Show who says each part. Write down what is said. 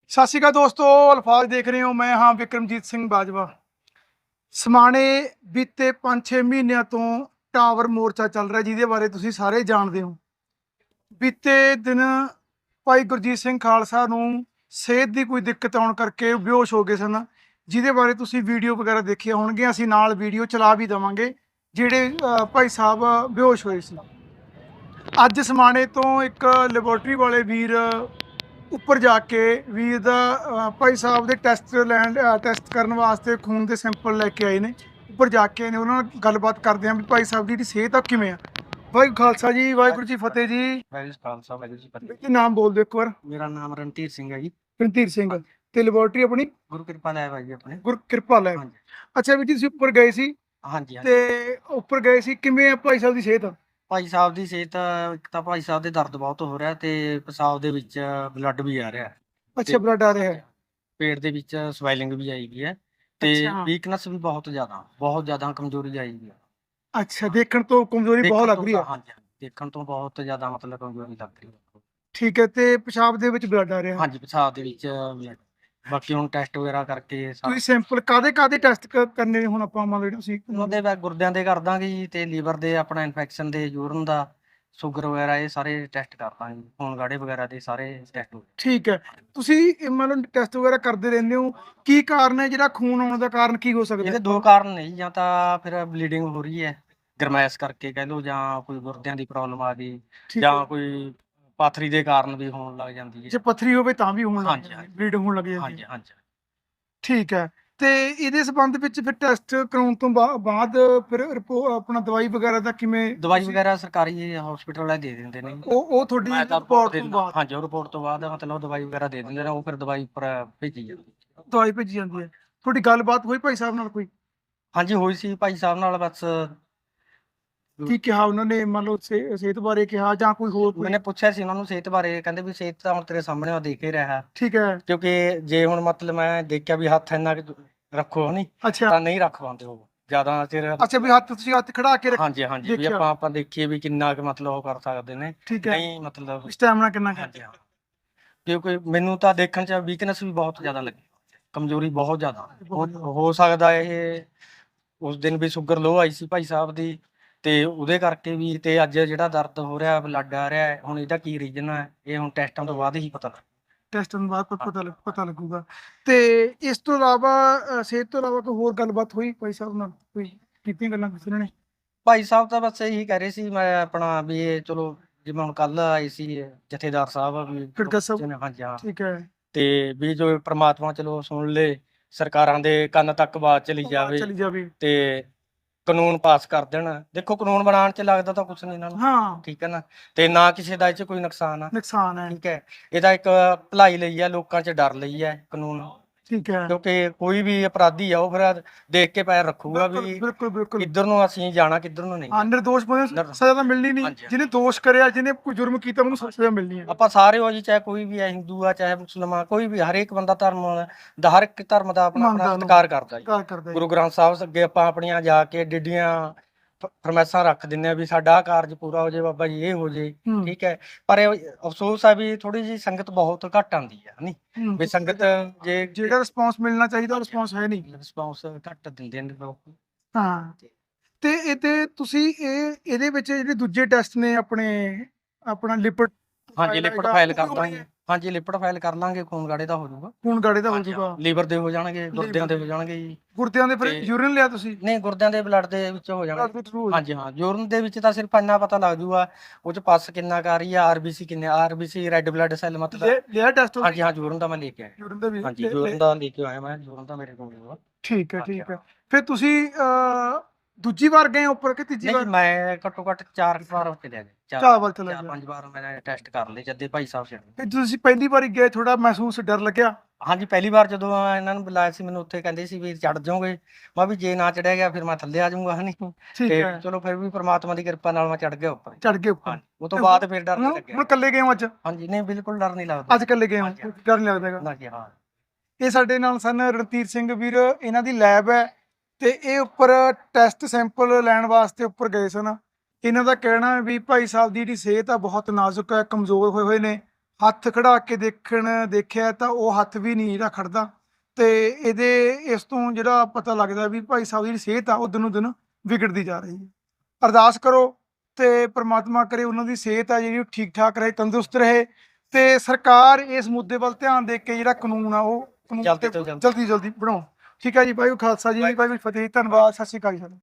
Speaker 1: सत श्री अकाल दोस्तों, अल्फाज देख रहे हो। मैं हाँ विक्रमजीत सिंह बाजवा। समाणे बीते 5-6 ਮਹੀਨਿਆਂ ਤੋਂ टावर मोर्चा चल रहा जिहदे बारे तुसीं सारे जानते हो। बीते दिन भाई गुरजीत सिंह खालसा नूं सेहत की कोई दिक्कत आउण करके बेहोश हो गए सन, जिहदे बारे तुसीं वीडियो वगैरह देखिया होणगे। असीं नाल वीडियो चला भी देवांगे जिहड़े भाई साहब बेहोश होए सी। अज समाणे तो एक ਲੈਬੋਰਟਰੀ वाले वीर ਉੱਪਰ ਜਾ ਕੇ ਵੀਰ ਦਾ ਭਾਈ ਸਾਹਿਬ ਦੇ ਟੈਸਟ ਕਰਨ ਵਾਸਤੇ ਖੂਨ ਦੇ ਸੈਂਪਲ ਲੈ ਕੇ ਆਏ ਨੇ। ਉੱਪਰ ਜਾ ਕੇ ਨੇ ਉਹਨਾਂ ਨਾਲ ਗੱਲਬਾਤ ਕਰਦੇ ਆਂ ਵੀ ਭਾਈ ਸਾਹਿਬ ਦੀ ਜਿਹੜੀ ਸਿਹਤ ਆ ਕਿਵੇਂ ਆ। ਵਾਹਿਗੁਰੂ ਖਾਲਸਾ ਜੀ, ਵਾਹਿਗੁਰੂ ਜੀ ਫਤਿਹ ਜੀ।
Speaker 2: ਵਾਹਿਗੁਰੂ ਖਾਲਸਾ ਵਾਹਿਗੁਰੂ ਜੀ ਫਤਿਹ।
Speaker 1: ਕੀ ਨਾਮ ਬੋਲ ਦਿਓ ਇੱਕ ਵਾਰ।
Speaker 2: ਮੇਰਾ ਨਾਮ ਰਣਧੀਰ ਸਿੰਘ ਹੈ ਜੀ।
Speaker 1: ਰਣਧੀਰ ਸਿੰਘ ਤੇ ਲੈਬੋਰਟਰੀ ਆਪਣੀ
Speaker 2: ਗੁਰੂ ਕਿਰਪਾ ਲੈਬ ਹੈ ਜੀ ਆਪਣੇ।
Speaker 1: ਗੁਰ ਕਿਰਪਾ ਲੈਬ।
Speaker 2: ਹਾਂਜੀ
Speaker 1: ਅੱਛਾ ਵੀਰ ਜੀ, ਤੁਸੀਂ ਉੱਪਰ ਗਏ ਸੀ
Speaker 2: ਹਾਂਜੀ ਹਾਂਜੀ।
Speaker 1: ਤੇ ਉੱਪਰ ਗਏ ਸੀ, ਕਿਵੇਂ ਆ ਭਾਈ ਸਾਹਿਬ ਦੀ ਸਿਹਤ?
Speaker 2: ਭਾਈ ਸਾਹਿਬ ਦੀ ਸਿਹਤ, ਇੱਕ ਤਾਂ ਭਾਈ ਸਾਹਿਬ ਦੇ ਦਰਦ ਬਹੁਤ ਹੋ ਰਿਹਾ ਤੇ ਪਿਸ਼ਾਬ ਦੇ ਵਿੱਚ ਬਲੱਡ ਵੀ ਆ ਰਿਹਾ,
Speaker 1: ਅੱਛਾ, ਬਲੱਡ ਆ ਰਿਹਾ ਹੈ।
Speaker 2: ਪੇਟ ਦੇ ਵਿੱਚ ਸਵੈਲਿੰਗ ਵੀ ਆਈ ਗਈ ਹੈ ਤੇ
Speaker 1: ਅੱਛਾ।
Speaker 2: ਵੀਕਨੈਸ ਵੀ ਬਹੁਤ ਜ਼ਿਆਦਾ ਕਮਜ਼ੋਰੀ ਆਈ ਗਈ ਹੈ।
Speaker 1: ਅੱਛਾ, ਦੇਖਣ ਤੋਂ ਕਮਜ਼ੋਰੀ ਬਹੁਤ ਲੱਗ ਰਹੀ ਹੈ।
Speaker 2: ਹਾਂਜੀ ਦੇਖਣ ਤੋਂ ਬਹੁਤ ਜ਼ਿਆਦਾ ਮਤਲਬ ਕਮਜ਼ੋਰੀ ਲੱਗ ਰਹੀ ਹੈ।
Speaker 1: ਠੀਕ ਹੈ, ਤੇ ਪਿਸ਼ਾਬ ਦੇ ਵਿੱਚ ਬਲੱਡ ਆ ਰਿਹਾ।
Speaker 2: ਹਾਂਜੀ ਪਿਸ਼ਾਬ ਦੇ ਵਿੱਚ blood। ਬਾਕੀ ਹੁਣ ਟੈਸਟ ਵਗੈਰਾ ਕਰਕੇ
Speaker 1: ਤੁਸੀਂ ਸੈਂਪਲ ਕਾਦੇ ਟੈਸਟ ਕਰਨੇ ਨੇ ਹੁਣ? ਆਪਾਂ ਮੰਨ ਲਓ ਤੁਸੀਂ
Speaker 2: ਉਹਦੇ ਬਾਅਦ ਗੁਰਦਿਆਂ ਦੇ ਕਰ ਦਾਂਗੇ ਜੀ, ਤੇ ਲੀਵਰ ਦੇ ਆਪਣਾ ਇਨਫੈਕਸ਼ਨ ਦੇ, ਯੂਰਨ ਦਾ, ਸ਼ੂਗਰ ਵਗੈਰਾ, ਇਹ ਸਾਰੇ ਟੈਸਟ ਕਰ ਦਾਂਗੇ। ਖੂਨ ਗਾੜੇ ਵਗੈਰਾ ਦੇ ਸਾਰੇ ਟੈਸਟ ਹੋ
Speaker 1: ਠੀਕ ਹੈ। ਤੁਸੀਂ ਇਹ ਮੰਨ ਲਓ ਟੈਸਟ ਵਗੈਰਾ ਕਰਦੇ ਰਹਿੰਦੇ ਹੋ, ਕੀ ਕਾਰਨ ਹੈ ਜਿਹੜਾ ਖੂਨ ਆਉਣ ਦਾ ਕਾਰਨ ਕੀ ਹੋ ਸਕਦਾ?
Speaker 2: ਇਹਦੇ ਦੋ ਕਾਰਨ ਨੇ ਜੀ, ਜਾਂ ਤਾਂ ਫਿਰ ਬਲੀਡਿੰਗ ਹੋ ਰਹੀ ਹੈ ਗਰਮੈਸ਼ ਕਰਕੇ ਕਹਿ ਲਓ, ਜਾਂ ਕੋਈ ਗੁਰਦਿਆਂ ਦੀ ਪ੍ਰੋਬਲਮ ਆ ਗਈ,
Speaker 1: ਠੀਕ
Speaker 2: ਜਾਂ
Speaker 1: ਹੈ।
Speaker 2: ਕੋਈ ਪਾਥਰੀ ਦੇ ਕਾਰਨ ਵੀ ਹੋਣ ਲੱਗ ਜਾਂਦੀ ਹੈ।
Speaker 1: ਜੇ ਪੱਥਰੀ ਹੋਵੇ ਤਾਂ ਵੀ ਹੋਣ ਲੱਗ
Speaker 2: ਹਾਂਜੀ,
Speaker 1: ਜਾਂਦੀ,
Speaker 2: ਹਾਂਜੀ।
Speaker 1: ਬਲੀਡ ਹੋਣ ਲੱਗ ਜਾਂਦੀ
Speaker 2: ਹਾਂਜੀ
Speaker 1: ਹੈ।
Speaker 2: ਹਾਂਜੀ।
Speaker 1: ਠੀਕ ਹੈ। ਤੇ ਇਹਦੇ ਸੰਬੰਧ ਵਿੱਚ ਫਿਰ ਟੈਸਟ ਕਰਾਉਣ ਤੋਂ ਬਾਅਦ ਫਿਰ ਆਪਣਾ ਦਵਾਈ ਵਗੈਰਾ ਦਾ ਕਿਵੇਂ?
Speaker 2: ਦਵਾਈ ਵਗੈਰਾ ਸਰਕਾਰੀ ਹਸਪੀਟਲ ਵਾਲੇ ਦੇ ਦਿੰਦੇ ਨੇ।
Speaker 1: ਉਹ ਤੁਹਾਡੀ
Speaker 2: ਮੈਂ ਤਾਂ
Speaker 1: ਰਿਪੋਰਟ
Speaker 2: ਦੇ
Speaker 1: ਤੋਂ
Speaker 2: ਦਿੰਦਾ।
Speaker 1: ਬਾਅਦ
Speaker 2: ਹਾਂਜੀ, ਉਹ ਰਿਪੋਰਟ ਤੋਂ ਬਾਅਦ ਮਤਲਬ ਦਵਾਈ ਵਗੈਰਾ ਦੇ ਦਿੰਦੇ ਨੇ, ਉਹ ਫਿਰ ਦਵਾਈ ਉੱਪਰ ਭੇਜੀ ਜਾਂਦੀ ਹੈ।
Speaker 1: ਦਵਾਈ ਭੇਜੀ ਜਾਂਦੀ ਹੈ। ਤੁਹਾਡੀ ਗੱਲਬਾਤ ਹੋਈ ਭਾਈ ਸਾਹਿਬ ਨਾਲ ਕੋਈ?
Speaker 2: ਹਾਂਜੀ ਹੋਈ ਸੀ ਭਾਈ ਸਾਹਿਬ ਨਾਲ, ਬਸ
Speaker 1: ਕੀ ਕਿਹਾ ਉਹਨਾਂ ਨੇ? ਮੰਨ ਲਓ ਸਿਹਤ ਬਾਰੇ ਕਿਹਾ ਜਾਂ ਕੋਈ ਹੋਰ ਕੋਈ?
Speaker 2: ਮੈਨੇ ਪੁੱਛਿਆ ਸੀ ਉਹਨਾਂ ਨੂੰ ਸਿਹਤ ਬਾਰੇ, ਕਹਿੰਦੇ ਵੀ ਸਿਹਤ ਤਾਂ ਹੁਣ ਤੇਰੇ ਸਾਹਮਣੇ ਆ, ਦੇਖ ਹੀ ਰਿਹਾ।
Speaker 1: ਠੀਕ ਹੈ।
Speaker 2: ਕਿਉਂਕਿ ਜੇ ਹੁਣ ਮਤਲਬ ਮੈਂ ਦੇਖਿਆ ਵੀ ਹੱਥ ਇੰਨਾ ਕੁ ਰੱਖੋ ਨਹੀਂ,
Speaker 1: ਅੱਛਾ
Speaker 2: ਤਾਂ ਨਹੀਂ ਰੱਖ ਪਾਉਂਦੇ ਉਹ ਜ਼ਿਆਦਾ ਚਿਰ।
Speaker 1: ਅੱਛਾ, ਵੀ ਤੁਸੀਂ ਹੱਥ ਖੜਾ ਕੇ
Speaker 2: ਹਾਂਜੀ ਹਾਂਜੀ, ਵੀ
Speaker 1: ਦੇਖਿਆ।
Speaker 2: ਆਪਾਂ ਦੇਖੀਏ ਵੀ ਕਿੰਨਾ ਕੁ ਮਤਲਬ ਉਹ ਕਰ ਸਕਦੇ ਨੇ।
Speaker 1: ਠੀਕ ਹੈ।
Speaker 2: ਨਹੀਂ ਮਤਲਬ
Speaker 1: ਸਟੈਮਿਨਾ ਕਿੰਨਾ ਹੈ?
Speaker 2: ਹਾਂਜੀ ਹਾਂ। ਕਿਉਂਕਿ ਮੈਨੂੰ ਤਾਂ ਦੇਖਣ 'ਚ ਵੀਕਨੈਸ ਵੀ ਬਹੁਤ ਜ਼ਿਆਦਾ ਲੱਗੀ, ਕਮਜ਼ੋਰੀ ਬਹੁਤ ਜ਼ਿਆਦਾ। ਹੋ ਸਕਦਾ ਇਹ ਉਸ ਦਿਨ ਵੀ ਸ਼ੂਗਰ ਲੋ ਆਈ ਸੀ ਭਾਈ ਸਾਹਿਬ ਦੀ, ਤੇ ਉਹਦੇ ਕਰਕੇ ਵੀ, ਤੇ ਅੱਜ ਜਿਹੜਾ ਦਰਦ ਹੋ ਰਿਹਾ, ਬਲੱਡ ਆ ਰਿਹਾ, ਹੁਣ ਇਹਦਾ ਕੀ ਰੀਜ਼ਨ ਹੈ, ਇਹ ਹੁਣ ਟੈਸਟਾਂ ਤੋਂ ਬਾਅਦ ਹੀ ਪਤਾ ਲੱਗ।
Speaker 1: ਟੈਸਟਾਂ ਤੋਂ ਬਾਅਦ ਪਤਾ ਲੱਗੂਗਾ। ਤੇ ਇਸ ਤੋਂ ਇਲਾਵਾ ਸਿਹਤ ਤੋਂ ਇਲਾਵਾ ਕੋਈ ਹੋਰ ਗੱਲਬਾਤ ਹੋਈ ਭਾਈ ਸਾਹਿਬ ਨਾਲ? ਕੋਈ ਕੀਤੀਆਂ ਗੱਲਾਂ ਕਿਸੇ ਨੇ?
Speaker 2: ਭਾਈ ਸਾਹਿਬ ਤਾਂ ਬਸ ਇਹੀ ਕਹਿ ਰਹੇ ਸੀ, ਮੈਂ ਆਪਣਾ ਵੀ ਇਹ ਚਲੋ ਜਿਵੇਂ ਹੁਣ ਕੱਲ ਆਏ ਸੀ ਜਥੇਦਾਰ ਸਾਹਿਬ ਵੀ।
Speaker 1: ਖੜਕਾ ਸਾਹਿਬ।
Speaker 2: ਹਾਂਜੀ ਹਾਂ।
Speaker 1: ਠੀਕ ਹੈ।
Speaker 2: ਤੇ ਵੀ ਜੋ ਪ੍ਰਮਾਤਮਾ ਚਲੋ ਸੁਣ ਲੇ, ਸਰਕਾਰਾਂ ਦੇ ਕੰਨ ਤੱਕ ਆਵਾਜ਼ ਚਲੀ ਜਾਵੇ
Speaker 1: ਚਲੀ ਜਾਵੇ।
Speaker 2: ਤੇ ਕਾਨੂੰਨ ਪਾਸ ਕਰ ਦੇਣ। ਦੇਖੋ ਕਾਨੂੰਨ ਬਣਾਉਣ 'ਚ ਲੱਗਦਾ ਤਾਂ ਕੁਛ ਨਹੀਂ ਇਹਨਾਂ ਨੂੰ,
Speaker 1: ਹਾਂ,
Speaker 2: ਠੀਕ ਹੈ ਨਾ, ਤੇ ਨਾ ਕਿਸੇ ਦਾ ਇਹ 'ਚ ਕੋਈ ਨੁਕਸਾਨ ਆ,
Speaker 1: ਨੁਕਸਾਨ ਹੈ।
Speaker 2: ਠੀਕ ਹੈ। ਇਹਦਾ ਇੱਕ ਭਲਾਈ ਲਈ ਹੈ, ਲੋਕਾਂ 'ਚ ਡਰ ਲਈ ਹੈ ਕਾਨੂੰਨ।
Speaker 1: ਠੀਕ ਹੈ।
Speaker 2: ਕਿਉਂਕਿ ਕੋਈ ਵੀ ਅਪਰਾਧੀ ਆ ਉਹ ਫਿਰ ਦੇਖ ਕੇ ਪੈਰ ਰੱਖੂਗਾ ਵੀ
Speaker 1: ਬਿਲਕੁਲ ਬਿਲਕੁਲ।
Speaker 2: ਕਿੱਧਰ ਨੂੰ ਅਸੀਂ ਜਾਣਾ, ਕਿੱਧਰ ਨੂੰ ਨਹੀਂ।
Speaker 1: ਹਾਂ, ਨਿਰਦੋਸ਼ ਬੰਦੇ ਨੂੰ ਸਜ਼ਾ ਤਾਂ ਮਿਲਣੀ ਨਹੀਂ।
Speaker 2: ਹਾਂਜੀ।
Speaker 1: ਜਿਹਨੇ ਦੋਸ਼ ਕਰਿਆ, ਜਿਹਨੇ ਕੋਈ ਜੁਰਮ ਕੀਤਾ, ਉਹਨੂੰ ਸਜ਼ਾ ਮਿਲਣੀ ਹੈ।
Speaker 2: ਆਪਾਂ ਸਾਰੇ ਹੋ ਜੀ, ਚਾਹੇ ਕੋਈ ਵੀ ਹੈ, ਹਿੰਦੂ ਆ ਚਾਹੇ ਮੁਸਲਮਾਨ, ਕੋਈ ਵੀ, ਹਰੇਕ ਬੰਦਾ ਧਰਮ ਦਾ, ਹਰ ਇੱਕ ਧਰਮ ਦਾ ਆਪਣਾ
Speaker 1: ਮੰਨਦਾ
Speaker 2: ਆਪਣਾ
Speaker 1: ਉਹਨੂੰ।
Speaker 2: ਸਤਿਕਾਰ ਕਰਦਾ ਜੀ।
Speaker 1: ਕਰ ਕਰਦਾ ਜੀ।
Speaker 2: ਗੁਰੂ ਗ੍ਰੰਥ ਸਾਹਿਬ ਅੱਗੇ ਆਪਾਂ ਆਪਣੀਆਂ ਜਾ ਕੇ ਡਿੱਡੀਆਂ ਫਰਮੈਸਾਂ ਰੱਖ ਦਿੰਦੇ ਆ ਵੀ ਸਾਡਾ ਆਹ ਕਾਰਜ ਪੂਰਾ ਹੋ ਜੇ, ਬਾਬਾ ਜੀ ਇਹ ਹੋ ਜੇ,
Speaker 1: ਹੂੰ,
Speaker 2: ਠੀਕ ਹੈ। ਪਰ ਇਹ ਅਫਸੋਸ ਆ ਵੀ ਥੋੜੀ ਜਿਹੀ ਸੰਗਤ ਬਹੁਤ ਘੱਟ ਆਉਂਦੀ ਹੈ ਨਹੀਂ,
Speaker 1: ਹੂੰ।
Speaker 2: ਵੀ ਸੰਗਤ ਜੇ
Speaker 1: ਜਿਹੜਾ ਰਿਸਪੌਂਸ ਮਿਲਣਾ ਚਾਹੀਦਾ, ਉਹ ਰਿਸਪੌਂਸ ਹੈ ਨਹੀਂ।
Speaker 2: ਰਿਸਪੌਂਸ ਘੱਟ ਦਿੰਦੇ ਨੇ ਲੋਕ।
Speaker 1: ਹਾਂ। ਤੇ ਇਹਦੇ ਤੁਸੀਂ ਇਹਦੇ ਵਿੱਚ ਜਿਹੜੇ ਦੂਜੇ ਟੈਸਟ ਨੇ ਆਪਣਾ ਲਿਪਿਡ
Speaker 2: ਹਾਂਜੀ ਲਿਪਿਡ ਫਾਈਲ ਕਰ ਦਾਂਗੇ। ਹਾਂਜੀ ਲਿਪਿਡ ਫਾਈਲ ਕਰ ਲਾਂਗੇ, ਖੂਨ ਗਾੜੇ ਦਾ ਹੋ ਜਾਊਗਾ,
Speaker 1: ਖੂਨ ਗਾੜੇ ਦਾ ਹੋ ਜਾਊਗਾ,
Speaker 2: ਲੀਵਰ ਦੇ ਹੋ ਜਾਣਗੇ, ਗੁਰਦਿਆਂ ਦੇ ਹੋ ਜਾਣਗੇ ਜੀ।
Speaker 1: ਗੁਰਦਿਆਂ ਦੇ ਫਿਰ ਯੂਰਿਨ ਲਿਆ ਤੁਸੀਂ?
Speaker 2: ਨਹੀਂ ਗੁਰਦਿਆਂ ਦੇ ਬਲੱਡ ਦੇ ਵਿੱਚ ਹੋ ਜਾਣਗੇ।
Speaker 1: Blood through ਹੋ
Speaker 2: ਹਾਂਜੀ ਹਾਂ, ਯੂਰਨ ਦੇ ਵਿੱਚ ਤਾਂ ਸਿਰਫ ਇੰਨਾ ਪਤਾ ਲੱਗ ਜੂਗਾ ਉਹ 'ਚ ਪਸ ਕਿੰਨਾ ਕਰ ਰਹੀ ਆ, ਆਰਬੀਸੀ ਕਿੰਨੇ, ਆਰਬੀਸੀ ਰੈੱਡ ਬਲੱਡ ਸੈੱਲ ਮਤਲਬ।
Speaker 1: ਲਿਆ ਟੈਸਟ?
Speaker 2: ਹਾਂਜੀ ਹਾਂ, ਯੂਰਨ ਦਾ ਮੈਂ ਲੈ ਕੇ ਆਇਆ।
Speaker 1: ਯੂਰਿਨ ਦਾ ਵੀ?
Speaker 2: ਹਾਂਜੀ ਯੂਰਨ ਦਾ ਲੈ ਕੇ ਆਇਆ ਮੈਂ, ਯੂਰਨ ਦਾ ਮੇਰੇ ਕੋਲ ਹੋਊਗਾ।
Speaker 1: ਠੀਕ ਹੈ, ਠੀਕ ਹੈ। ਫਿਰ ਤੁਸੀਂ ਦੂਜੀ ਵਾਰ ਗਏ ਉੱਪਰ ਕਿ ਤੀਜੀ
Speaker 2: ਨਹੀਂ
Speaker 1: ਵਾਰ?
Speaker 2: ਮੈਂ ਘੱਟੋ ਘੱਟ 4 ਵਾਰ ਚਲਿਆ ਗਿਆ,
Speaker 1: 4 ਵਾਰ ਚਲੇ ਗਏ।
Speaker 2: 5 ਵਾਰ ਮੈਂ ਟੈਸਟ ਕਰ ਲਏ ਜਦ ਦੇ ਭਾਈ ਸਾਹਿਬ ਛੱਡ।
Speaker 1: ਫਿਰ ਤੁਸੀਂ ਪਹਿਲੀ ਵਾਰੀ ਗਏ, ਥੋੜਾ ਮਹਿਸੂਸ ਡਰ ਲੱਗਿਆ?
Speaker 2: ਹਾਂਜੀ ਪਹਿਲੀ ਵਾਰ ਜਦੋਂ ਇਹਨਾਂ ਨੂੰ ਬੁਲਾਇਆ ਸੀ, ਮੈਨੂੰ ਉੱਥੇ ਕਹਿੰਦੇ ਸੀ ਵੀ ਚੜ ਜਾਓਗੇ, ਮੈਂ ਵੀ ਜੇ ਨਾ ਚੜਿਆ ਗਿਆ ਫਿਰ ਮੈਂ ਥੱਲੇ ਆ ਜਾਊਂਗਾ ਹਨੀ।
Speaker 1: ਠੀਕ
Speaker 2: ਤੇ
Speaker 1: ਹੈ।
Speaker 2: ਚਲੋ ਫਿਰ ਵੀ ਪ੍ਰਮਾਤਮਾ ਦੀ ਕਿਰਪਾ ਨਾਲ ਮੈਂ ਚੜ ਗਿਆ ਉੱਪਰ।
Speaker 1: ਚੜ ਗਏ ਉੱਪਰ?
Speaker 2: ਹਾਂਜੀ ਉਹ ਤੋਂ ਬਾਅਦ ਫਿਰ ਡਰ ਨਹੀਂ
Speaker 1: ਹੁਣ
Speaker 2: ਲੱਗਿਆ।
Speaker 1: ਇਕੱਲੇ ਗਏ ਹੋ ਅੱਜ?
Speaker 2: ਹਾਂਜੀ ਨਹੀਂ ਬਿਲਕੁਲ ਡਰ ਨਹੀਂ ਲੱਗਦਾ
Speaker 1: ਅੱਜ ਇਕੱਲੇ ਗਏ ਹੋ,
Speaker 2: ਹਾਂਜੀ,
Speaker 1: ਡਰ ਨਹੀਂ ਲੱਗਦਾ ਹੈਗਾ?
Speaker 2: ਨਾ ਜੀ ਹਾਂ।
Speaker 1: ਇਹ ਸਾਡੇ ਨਾਲ ਸਨ ਰਣਧੀਰ ਸਿੰਘ ਵੀਰ, ਇਹਨਾਂ ਦੀ ਲੈਬ ਹੈ ਤੇ ਇਹ ਉੱਪਰ ਟੈਸਟ ਸੈਂਪਲ ਲੈਣ ਵਾਸਤੇ ਉੱਪਰ ਗਏ ਸਨ। ਇਹਨਾਂ ਦਾ ਕਹਿਣਾ ਹੈ ਵੀ ਭਾਈ ਸਾਹਿਬ ਦੀ ਜਿਹੜੀ ਸਿਹਤ ਆ ਬਹੁਤ ਨਾਜ਼ੁਕ ਹੈ, ਕਮਜ਼ੋਰ ਹੋਏ ਹੋਏ ਨੇ, ਹੱਥ ਖੜਾ ਕੇ ਦੇਖਿਆ ਤਾਂ ਉਹ ਹੱਥ ਵੀ ਨਹੀਂ ਜਿਹੜਾ ਖੜਦਾ। ਤੇ ਇਸ ਤੋਂ ਜਿਹੜਾ ਪਤਾ ਲੱਗਦਾ ਵੀ ਭਾਈ ਸਾਹਿਬ ਦੀ ਜਿਹੜੀ ਸਿਹਤ ਆ ਉਹ ਦਿਨੋਂ ਦਿਨ ਵਿਗੜਦੀ ਜਾ ਰਹੀ ਹੈ। ਅਰਦਾਸ ਕਰੋ ਤੇ ਪ੍ਰਮਾਤਮਾ ਕਰੇ ਉਹਨਾਂ ਦੀ ਸਿਹਤ ਆ ਜਿਹੜੀ ਉਹ ਠੀਕ ਠਾਕ ਰਹੇ, ਤੰਦਰੁਸਤ ਰਹੇ, ਤੇ ਸਰਕਾਰ ਇਸ ਮੁੱਦੇ ਵੱਲ ਧਿਆਨ ਦੇ ਕੇ ਜਿਹੜਾ ਕਾਨੂੰਨ ਆ ਉਹ ਕਾਨੂੰਨ
Speaker 2: ਜਲਦੀ
Speaker 1: ਤੇ
Speaker 2: ਤੋਂ ਜਲਦੀ।
Speaker 1: ਜਲਦੀ ਬਣਾਓ। ਠੀਕ ਹੈ ਜੀ, ਵਾਹਿਗੁਰੂ ਖਾਲਸਾ ਜੀ, ਵਾਹਿਗੁਰੂ ਫਤਿਹ, ਧੰਨਵਾਦ, ਸਤਿ ਸ਼੍ਰੀ ਅਕਾਲ ਜੀ।